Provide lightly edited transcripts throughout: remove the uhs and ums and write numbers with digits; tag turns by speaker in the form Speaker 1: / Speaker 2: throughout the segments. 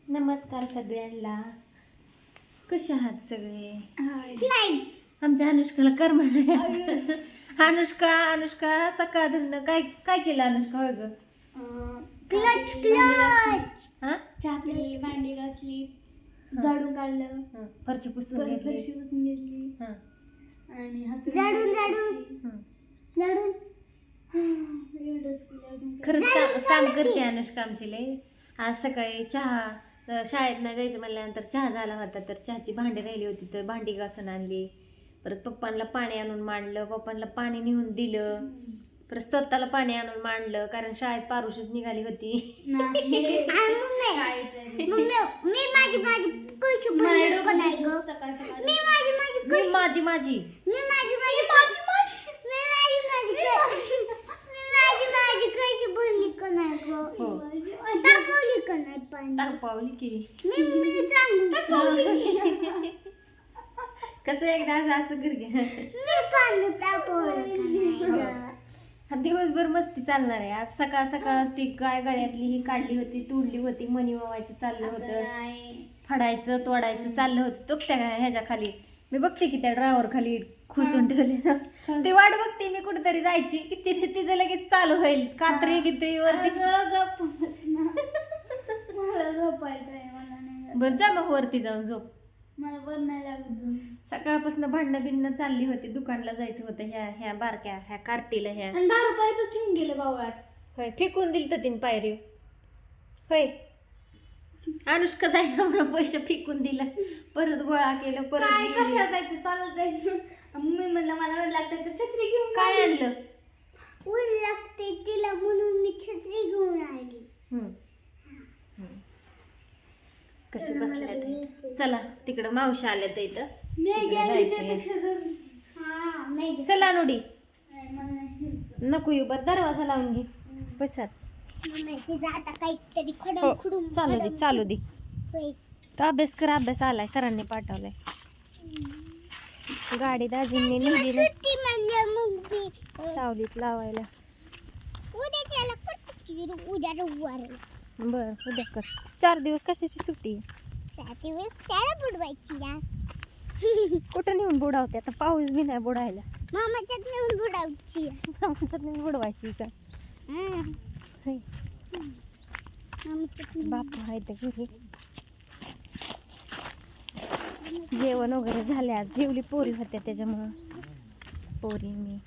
Speaker 1: नमस्कार सगळ्यांना. कशा आहात सगळे? आमच्या अनुष्काला कर्म नाही. अनुष्का अनुष्का सकाळ धरणं काय काय केलं अनुष्का? होय ग,
Speaker 2: क्लच क्लच
Speaker 1: हा
Speaker 2: चहा पिली, भांडी घासली, झाडून काढलं,
Speaker 1: फरशी पुसून घेतली.
Speaker 2: फरशी पुसून घेतली
Speaker 1: हा.
Speaker 2: आणि हात झाडून झाडून एवढंच केलं.
Speaker 1: खरंच काम करते अनुष्का आमची लय. आज सकाळी चहा शाळेत नाही जायचं म्हणल्यानंतर चहा झाला होता, तर चहाची भांडी राहिली होती तर भांडी घासून आणली. परत पप्पांना पाणी आणून मांडलं, पप्पांना पाणी नेऊन दिलं, परत स्वतःला पाणी आणून मांडलं कारण शाळेत पारुशीच निघाली होती. माझी तापावली की कसं एकदा असं घर घ्या. दिवसभर मस्ती चालणार आहे. आज सकाळ सकाळ ती गाय गळ्यातली ही काढली होती, तोडली होती, मणी वावायचं चाललं होतं, फाडायचं तोडायचं चाललं होतं. तो त्या ह्याच्या खाली मी बघते की त्या ड्रायव्हर खाली खुसून ठेवले ना, ती वाट बघते मी कुठेतरी जायची की तिचं लगेच चालू होईल कात्री गित्री वरती. बरं जा मग वरती जाऊन झोप.
Speaker 2: मला वर नाही लागत.
Speaker 1: सकाळपासून भांडणं बिंडणं चालली होती, दुकानला जायचं होतं ह्या बारक्या ह्या कार्टीला ह्या.
Speaker 2: आणि 10 रुपयातच ठेवून गेले बावळाट.
Speaker 1: होय, फेकून दिल तर तीन पायरी. होय, अनुष्का जायला म्हणून पैसे फेकून दिलं, परत गोळा केलं, परत
Speaker 2: काय
Speaker 1: गेली.
Speaker 2: कशाला जायचं, चालत जायचं. मी म्हणलं मला वेळ लागतं तर छत्री घेऊन
Speaker 1: काय आणलं?
Speaker 2: ऊन लागते तिला म्हणून मी छत्री घेऊन आली.
Speaker 1: कशी बसल्या. चला तिकडं मावशी आल्या तर इथं. चला नोडी नको येऊ, बरं दरवाजा लावून घे बसात. चालू दे तर अभ्यास कर. अभ्यास आलाय, सरांनी पाठवलाय. गाडी दाजींनी नेली सावलीत लावायला. बर उद्या कर. 4 दिवस कशाची सुट्टी?
Speaker 2: 4 दिवस शाळा बुडवायची.
Speaker 1: कुठं नेऊन बुडावते आता? पाऊस बी नाही बुडायला.
Speaker 2: मामाच्यात नेऊन बुडवायची.
Speaker 1: मामाच्यात नेऊन बुडवायची का? बापू आहे तर घरी. जेवण वगैरे झाले. आज जेवली पोरी होत्या त्याच्यामुळं पोरी मी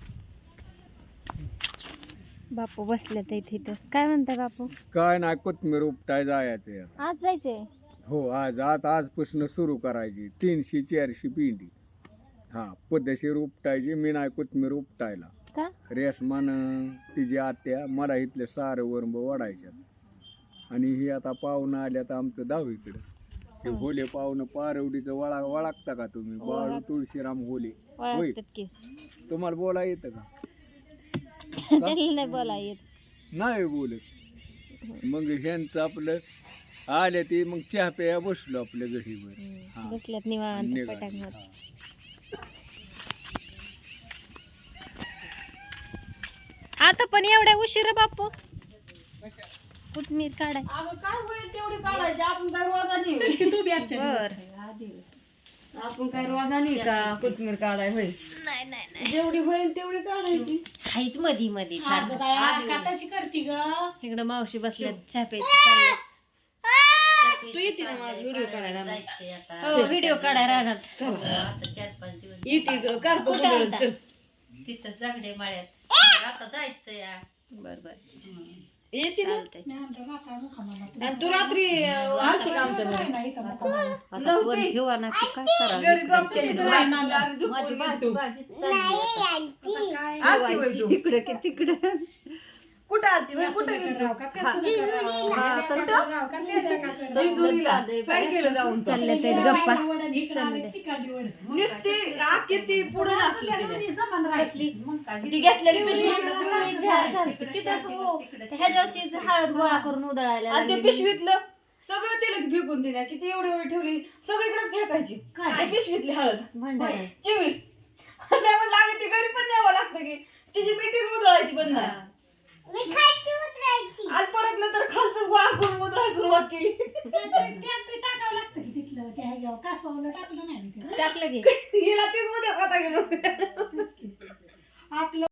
Speaker 1: बापू बसले तर इथे. काय म्हणताय बापू?
Speaker 3: काय नाही, कोथमीर उपटाय जायचं.
Speaker 1: आज जायचंय?
Speaker 3: हो, आजपासून सुरू करायची. 300-400 पिंडी. हा, पद्धतशीर उपटायची. मी नाही कोथमीर उपटायला.
Speaker 1: का?
Speaker 3: रेशमान तिची आत्या मला इथले सारं वरंब वाढायच्यात. आणि ही आता पाहुणं आल्यात आमचं दहावीकडं. हे होले पाहुणं पारवडीचं वळखता का तुम्ही? बाळू तुळशीराम होले. होय, तुम्हाला बोला येतं का?
Speaker 1: नाही बोला येत.
Speaker 3: नाही बोलत. मग ह्यांचं आपलं आले ते मग चहा प्या बसलो आपल्या घरीवर.
Speaker 1: बसल्यात निवांत पटांगणात. आता पण एवढ्या उशीर बापू कोथमीर काढाय?
Speaker 4: काय होईल तेवढी काढायची. आपण काय रोजा नाही का कोथमीर काढाय होईल?
Speaker 1: नाही
Speaker 4: जेवढी होईल तेवढी काढायची.
Speaker 1: हाईच मधी मध्ये इकडं मावशी बसल्यात चहा प्यायची चाललंय.
Speaker 4: तू येते ना माझा व्हिडिओ काढायला?
Speaker 1: हो, व्हिडिओ काढाय राहणार.
Speaker 4: येते कार चल
Speaker 5: तिथं जगडे माळ्यात आता जायचं या.
Speaker 1: बर
Speaker 4: येते ना. आणि तू रात्री आलती का आमच्या घरी? नव्हती.
Speaker 5: ठेवा ना तू काय करा
Speaker 4: घरी झोपते इथं राहिली. आम्ही झोपून गेलतो. आलती होय तू?
Speaker 5: इकडे की तिकडे
Speaker 4: कुठं आलती होय? कुठं गेलतो? जेजुरीला. काय केलं जाऊन?
Speaker 1: चालले ते गप्पा.
Speaker 4: नुसती आखी ती पुढे नसली ती घेतलेली पिशवी.
Speaker 1: तिथंच हो, ह्याच्यावरची हळद गोळा करून उधळायला
Speaker 4: आणि ते पिशवीतलं सगळं तिला फेकून दिल्या. किती एवढी ठेवली सगळीकडेच फेकायची. काय पिशवीतली हळद
Speaker 1: भांडायला.
Speaker 4: चिवी. नाही म्हणलं अगं ती घरी पण न्यावं लागतं की तिची मिठी उधळायची बंद.
Speaker 2: मी खालची उतरायची.
Speaker 4: आणि परत नंतर खालचं वाकून उतरायला सुरुवात केली.
Speaker 6: टाकावं लागतं की तिथलं त्या ह्याच्यावर कासवावर टाकलं नाही मी ते.
Speaker 1: टाकलं की
Speaker 4: हिला तीच मध्ये पता गेलो.
Speaker 6: आपलं